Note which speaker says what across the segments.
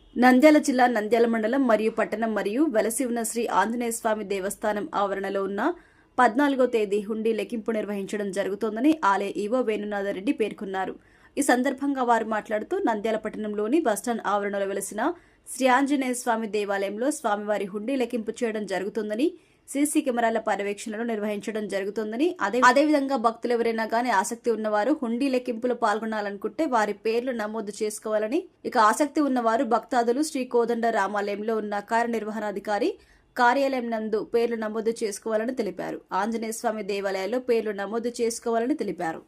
Speaker 1: నంద్యాల జిల్లా నంద్యాల మండలం మరియు పట్టణం మరియు వెలసి ఉన్న శ్రీ ఆంజనేయ స్వామి దేవస్థానం ఆవరణలో ఉన్న 14వ తేదీ హుండీ లెక్కింపు నిర్వహించడం జరుగుతోందని ఆలయ ఈవో వేణునాథరెడ్డి పేర్కొన్నారు. ఈ సందర్భంగా వారు మాట్లాడుతూ నంద్యాల పట్టణంలోని బస్టాండ్ ఆవరణలో వెలసిన శ్రీ ఆంజనేయ స్వామి దేవాలయంలో స్వామివారి హుండీ లెక్కింపు చేయడం జరుగుతుందని, సీసీ కెమెరాల పర్యవేక్షణలు నిర్వహించడం జరుగుతుందని, అదేవిధంగా భక్తులు ఎవరైనా గానీ ఆసక్తి ఉన్నవారు హుండీ లెక్కింపులో పాల్గొనాలనుకుంటే వారి పేర్లు నమోదు చేసుకోవాలని, ఇక ఆసక్తి ఉన్నవారు భక్తాదులు శ్రీ కోదండ రామాలయంలో ఉన్న కార్యనిర్వహణాధికారి కార్యాలయం నందు పేర్లు నమోదు చేసుకోవాలని తెలిపారు. ఆంజనేయ స్వామి దేవాలయాల్లో పేర్లు నమోదు చేసుకోవాలని తెలిపారు.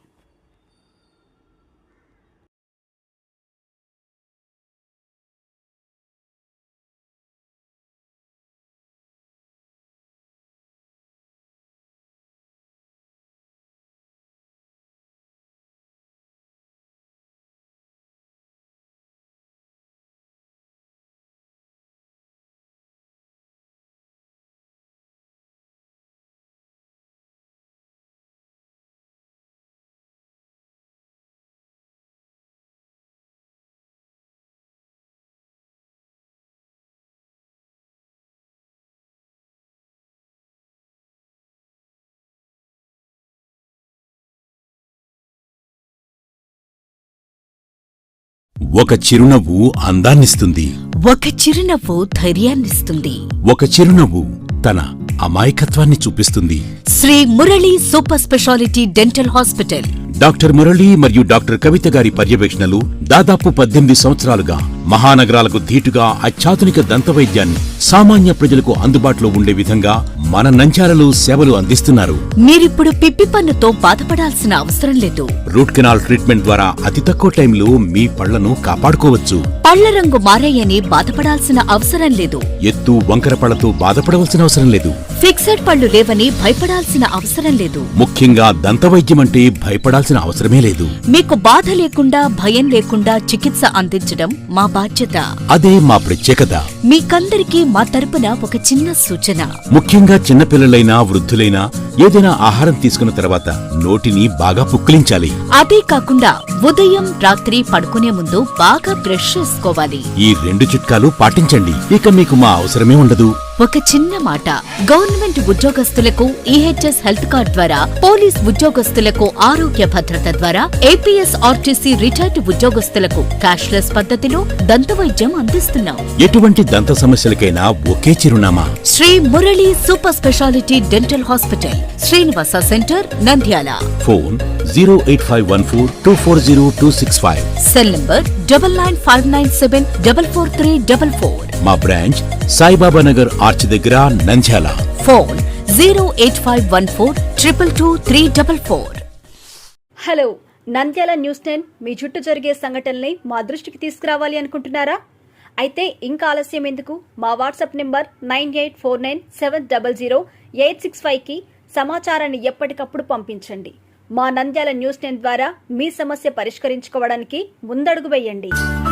Speaker 2: ఒక చిరునవ్వు అందాన్నిస్తుంది.
Speaker 3: ఒక చిరునవ్వు ధైర్యాన్నిస్తుంది.
Speaker 2: ఒక చిరునవ్వు తన అమాయకత్వాన్ని చూపిస్తుంది.
Speaker 3: Shri Murali super speciality dental hospital.
Speaker 2: Doctor Murali మరియు డాక్టర్ కవిత గారి పర్యవేక్షణలు దాదాపు 18 సంవత్సరాలుగా మహానగరాలకు ధీటుగా అత్యాధునిక దంతవైద్యాన్ని సామాన్య ప్రజలకు అందుబాటులో ఉండే విధంగా మన నంద్యాలలో సేవలు అందిస్తున్నారు.
Speaker 3: మీరిప్పుడు పిప్పి పన్నుతో బాధపడాల్సిన అవసరం లేదు.
Speaker 2: రూట్ కెనాల్ ట్రీట్మెంట్ ద్వారా అతి తక్కువ టైంలో మీ పళ్లను కాపాడుకోవచ్చు.
Speaker 3: పళ్ల రంగు మారాయని బాధపడాల్సిన అవసరం లేదు.
Speaker 2: ఎత్తు వంకర పళ్లతో బాధపడవలసిన అవసరం లేదు.
Speaker 3: ఫిక్సెడ్ పళ్లు లేవని భయపడాల్సిన అవసరం లేదు.
Speaker 2: ముఖ్యంగా దంతవైద్యం అంటే భయపడాల్సిన అవసరమే లేదు.
Speaker 3: మీకు బాధ లేకుండా భయం లేకుండా చికిత్స అందించడం మా బాధ్యత.
Speaker 2: అదే మా ప్రత్యేకత.
Speaker 3: మీకందరికీ మా తరపున ఒక చిన్న సూచన.
Speaker 2: ముఖ్యంగా చిన్నపిల్లలైనా వృద్ధులైనా ఏదైనా ఆహారం తీసుకున్న తర్వాత నోటిని బాగా పుక్కిలించాలి.
Speaker 3: అదే కాకుండా ఉదయం రాత్రి పడుకునే ముందు బాగా బ్రష్ చేసుకోవాలి.
Speaker 2: ఈ 2 చిట్కాలు పాటించండి. ఇక మీకు మా అవసరమే ఉండదు.
Speaker 3: ఒక చిన్న మాట, గవర్నమెంట్ ఉద్యోగస్తులకు ఈహెచ్ఎస్ హెల్త్ కార్డ్ ద్వారా, పోలీస్ ఉద్యోగస్తులకు ఆరోగ్య భద్రత ద్వారా, ఏపీఎస్ ఆర్టీసీ రిటైర్డ్ ఉద్యోగస్తులకు క్యాష్లెస్ పద్ధతిలో దంతవైద్యం అందిస్తున్నాం.
Speaker 2: ఎటువంటి దంత సమస్యలకైనా ఒకే చిరునామా
Speaker 3: Shri Murali super speciality dental hospital, Srinivasa centre, Nandyal.
Speaker 2: Phone 08514240265.
Speaker 3: Cell number 9959744344.
Speaker 2: మా బ్రాంచ్ సాయిబాబా నగర్ ఆర్చ్ దగ్గర, Nandyal.
Speaker 3: Phone 08514222344.
Speaker 1: Hello, Nandyal news 10 మీ చుట్టూ జరిగే సంఘటనల్ని మా దృష్టికి తీసుకురావాలి అనుకుంటున్నారా? అయితే ఇంకా ఆలస్యం ఎందుకు? మా వాట్సాప్ నెంబర్ 9849700865కి సమాచారాన్ని ఎప్పటికప్పుడు పంపించండి. మా నంద్యాల న్యూస్ 10 ద్వారా మీ సమస్య పరిష్కరించుకోవడానికి ముందడుగు వేయండి.